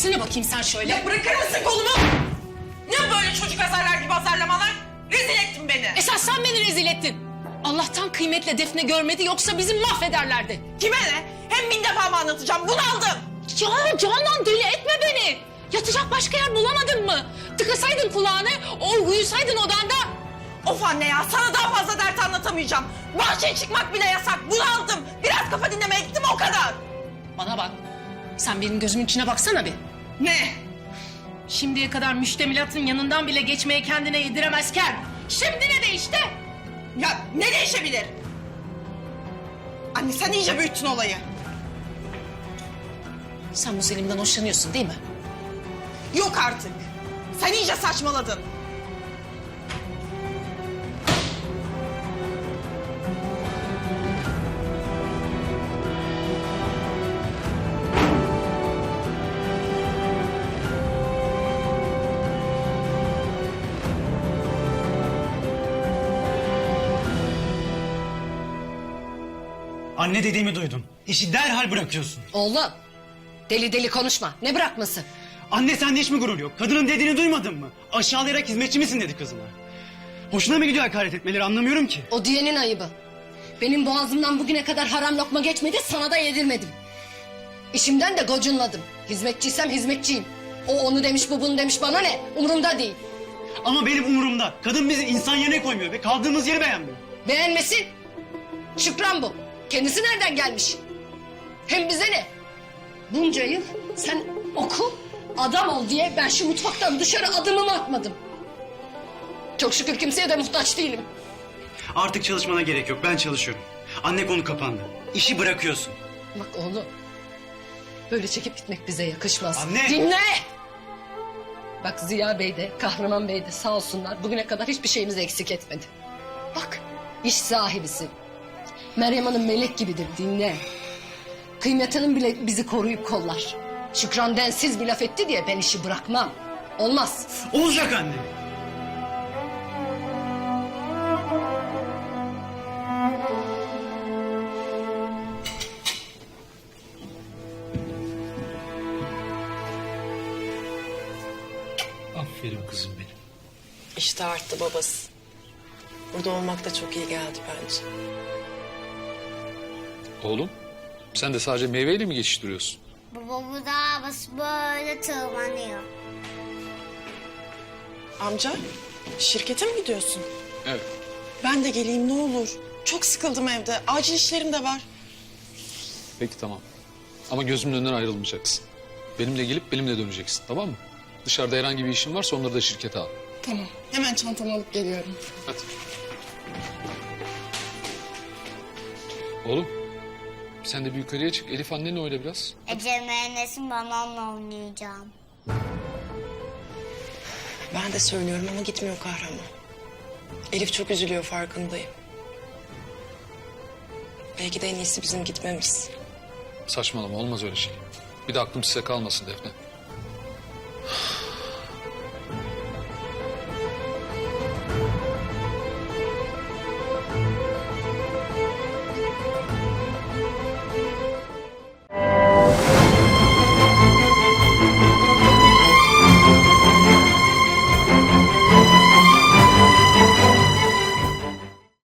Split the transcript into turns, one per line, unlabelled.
gelsene bakayım sen şöyle.
Ya bırakır mısın kolumu? Ne böyle çocuk azarlar gibi azarlamalar? Rezil ettin beni.
Esas sen beni rezil ettin. Allah'tan Kıymet'le Defne görmedi, yoksa bizi mahvederlerdi.
Kime ne? Hem bin defa mı anlatacağım? Bunaldım.
Ya Canan, deli etme beni. Yatacak başka yer bulamadın mı? Tıkasaydın kulağını, uyusaydın odanda.
Of anne ya, sana daha fazla dert anlatamayacağım. Bahçeye çıkmak bile yasak. Bunaldım. Biraz kafa dinlemeye gittim, o kadar.
Bana bak, sen benim gözümün içine baksana bir.
Ne?
Şimdiye kadar müştemilatın yanından bile geçmeye kendine yediremezken şimdi ne değişti?
Ya ne değişebilir? Anne sen iyice büyüttün olayı.
Sen bu Selim'den hoşlanıyorsun değil mi?
Yok artık. Sen iyice saçmaladın.
Anne dediğimi duydun. İşi derhal bırakıyorsun.
Oğlum, deli deli konuşma. Ne bırakması?
Anne sende hiç mi gurur yok? Kadının dediğini duymadın mı? Aşağılayarak hizmetçi misin dedi kızına. Hoşuna mı gidiyor hakaret etmeleri, anlamıyorum ki.
O diyenin ayıbı. Benim boğazımdan bugüne kadar haram lokma geçmedi, sana da yedirmedim. İşimden de gocunmadım. Hizmetçiysem hizmetçiyim. O onu demiş, bu bunu demiş, bana ne? Umurumda değil.
Ama benim umurumda. Kadın bizi insan yerine koymuyor ve kaldığımız yeri beğenmiyor.
Beğenmesin. Şükran bu. Kendisi nereden gelmiş? Hem bize ne? Bunca yıl sen oku, adam ol diye ben şu mutfaktan dışarı adımımı atmadım. Çok şükür kimseye de muhtaç değilim.
Artık çalışmana gerek yok, ben çalışıyorum. Anne, konu kapandı. İşi bırakıyorsun.
Bak oğlum, böyle çekip gitmek bize yakışmaz.
Anne!
Dinle! Bak Ziya Bey de, Kahraman Bey de sağ olsunlar bugüne kadar hiçbir şeyimizi eksik etmedi. Bak, iş sahibisin. Meryem Hanım melek gibidir, dinle. Kıymet Hanım bile bizi koruyup kollar. Şükran densiz bir laf etti diye ben işi bırakmam. Olmaz.
Olacak anne. Aferin kızım benim.
İşte arttı babası. Burada olmak da çok iyi geldi bence.
Oğlum, sen de sadece meyveyle mi geçiştiriyorsun?
Baba bu da böyle tırmanıyor.
Amca, şirkete mi gidiyorsun?
Evet.
Ben de geleyim ne olur. Çok sıkıldım evde. Acil işlerim de var.
Peki tamam. Ama gözümün önünden ayrılmayacaksın. Benimle gelip benimle döneceksin, tamam mı? Dışarıda herhangi bir işin varsa onları da şirkete al.
Tamam. Hemen çantamı alıp geliyorum.
Hadi. Oğlum, sen de bir yukarıya çık. Elif annenle oyna biraz.
Ece mühendisim, ben onunla oynayacağım.
Ben de söylüyorum ama gitmiyor Kahraman. Elif çok üzülüyor, farkındayım. Belki de en iyisi bizim gitmemiz.
Saçmalama, olmaz öyle şey. Bir de aklım size kalmasın Defne.